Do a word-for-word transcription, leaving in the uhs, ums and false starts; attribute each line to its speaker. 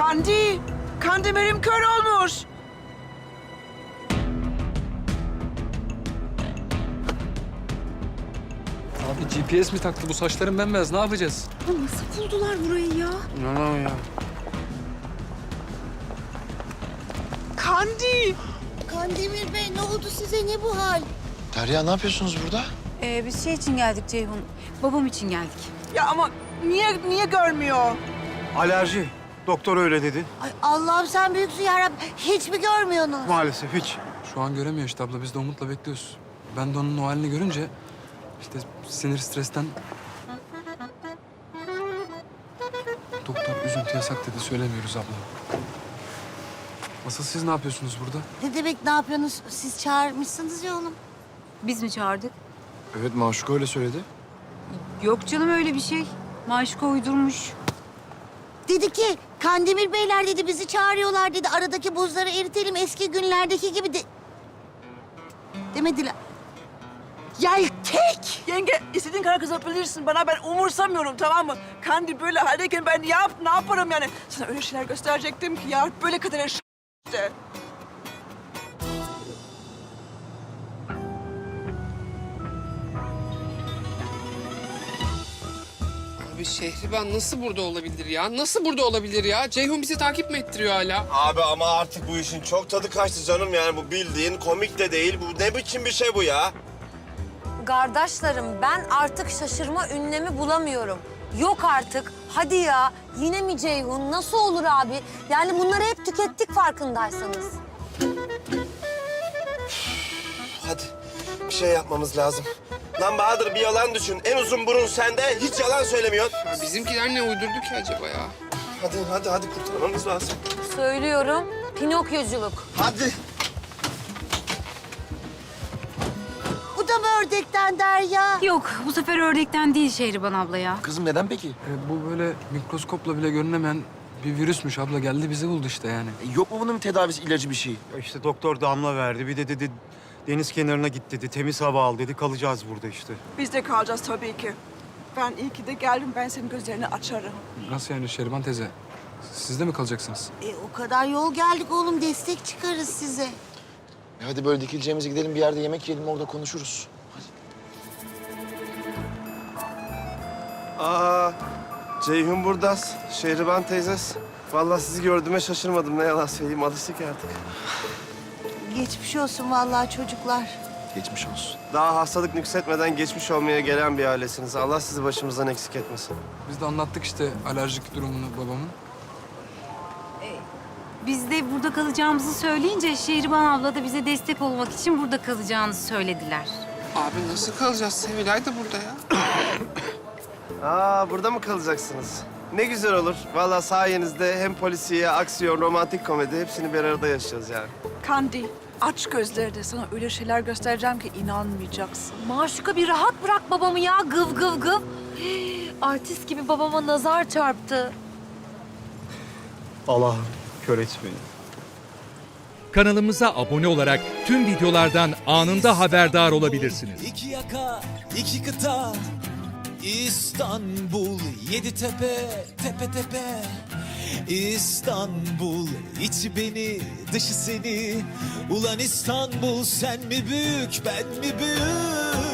Speaker 1: Kandi, Kandemir'im kör olmuş.
Speaker 2: Abi G P S mi taktı bu saçların bembeyaz, ne yapacağız?
Speaker 3: Ya nasıl buldular burayı ya?
Speaker 2: İnanamam ya.
Speaker 1: Kandi.
Speaker 4: Kandemir Bey ne oldu size, ne bu hal?
Speaker 5: Derya ne yapıyorsunuz burada?
Speaker 3: Ee, biz şey için geldik Ceyhun. Babam için geldik.
Speaker 1: Ya ama niye niye görmüyor?
Speaker 6: Alerji. Doktor öyle dedi.
Speaker 4: Ay Allah'ım sen büyüksün yarabbim. Hiç mi görmüyorsunuz?
Speaker 6: Maalesef hiç.
Speaker 2: Şu an göremiyor işte abla, biz de Umut'la bekliyoruz. Ben de onun o halini görünce işte sinir stresten... Doktor üzüntü yasak dedi, söylemiyoruz abla. Asıl siz ne yapıyorsunuz burada?
Speaker 4: Ne demek ne yapıyorsunuz? Siz çağırmışsınız ya oğlum.
Speaker 3: Biz mi çağırdık?
Speaker 5: Evet, Maşuka öyle söyledi.
Speaker 3: Yok canım öyle bir şey. Maşuka uydurmuş.
Speaker 4: Dedi ki Kandemir Beyler dedi bizi çağırıyorlar dedi. Aradaki buzları eritelim eski günlerdeki gibi de... Demediler.
Speaker 1: Yeltek! Yenge, istediğin kadar kızabilirsin bana. Ben umursamıyorum, tamam mı? Kandi böyle haldeyken ben ne, yap, ne yaparım yani? Sana öyle şeyler gösterecektim ki ya. Böyle kadar işte.
Speaker 7: Abi Şehriban nasıl burada olabilir ya? Nasıl burada olabilir ya? Ceyhun bizi takip mi ettiriyor hala?
Speaker 8: Abi ama artık bu işin çok tadı kaçtı canım, yani bu bildiğin komik de değil. Bu ne biçim bir şey bu ya?
Speaker 9: Kardeşlerim ben artık şaşırma ünlemi bulamıyorum. Yok artık. Hadi ya. Yine mi Ceyhun? Nasıl olur abi? Yani bunları hep tükettik farkındaysanız.
Speaker 8: Hadi bir şey yapmamız lazım. Lan Bahadır, bir yalan düşün. En uzun burun sende, hiç yalan söylemiyorsun.
Speaker 7: Ya bizimkiler ne uydurdu ki acaba ya?
Speaker 8: Hadi hadi hadi, kurtarmamız lazım.
Speaker 9: Söylüyorum. Pinokyoculuk.
Speaker 8: Hadi.
Speaker 4: Bu da mı ördekten Derya?
Speaker 3: Yok bu sefer ördekten değil Şehriban abla ya.
Speaker 5: Kızım neden peki?
Speaker 2: E, bu böyle mikroskopla bile görünemeyen bir virüsmüş abla, geldi bizi buldu işte yani.
Speaker 5: E, yok mu bunun bir tedavisi, ilacı bir şey?
Speaker 6: Ya İşte doktor damla verdi. Bir de dedi deniz kenarına git dedi. Temiz hava al dedi. Kalacağız burada işte.
Speaker 1: Biz de kalacağız tabii ki. Ben iyi ki de geldim. Ben senin gözlerini açarım.
Speaker 2: Nasıl yani Şeriban teyze? Siz de mi kalacaksınız?
Speaker 4: E, o kadar yol geldik oğlum, destek çıkarız size.
Speaker 5: E, hadi böyle dikileceğimize gidelim, bir yerde yemek yiyelim, orada konuşuruz.
Speaker 8: Aa, Ceyhun burada, Şehriban teyzes. Vallahi sizi gördüğüme şaşırmadım, ne yalan söyleyeyim, alıştık artık.
Speaker 4: Geçmiş olsun vallahi çocuklar.
Speaker 5: Geçmiş olsun.
Speaker 8: Daha hastalık nüksetmeden geçmiş olmaya gelen bir ailesiniz. Allah sizi başımızdan eksik etmesin.
Speaker 2: Biz de anlattık işte alerjik durumunu babamın.
Speaker 3: Biz de burada kalacağımızı söyleyince Şehriban abla da bize destek olmak için burada kalacağını söylediler.
Speaker 7: Abi nasıl kalacağız? Sevilay da burada ya.
Speaker 8: Aa, burada mı kalacaksınız? Ne güzel olur. Vallahi sayenizde hem polisiye, aksiyon, romantik komedi hepsini bir arada yaşayacağız yani.
Speaker 1: Kandi, aç gözlerini. Sana öyle şeyler göstereceğim ki inanmayacaksın.
Speaker 9: Maşuka bir rahat bırak babamı ya. Gıv gıv gıv. Hii, artist gibi babama nazar çarptı.
Speaker 6: Allah'ım kör et beni.
Speaker 10: Kanalımıza abone olarak tüm videolardan anında haberdar olabilirsiniz.
Speaker 11: İki yaka, iki kıta, İstanbul, yedi tepe, tepe tepe. İstanbul, içi beni, dışı seni. Ulan İstanbul, sen mi büyük, ben mi büyük?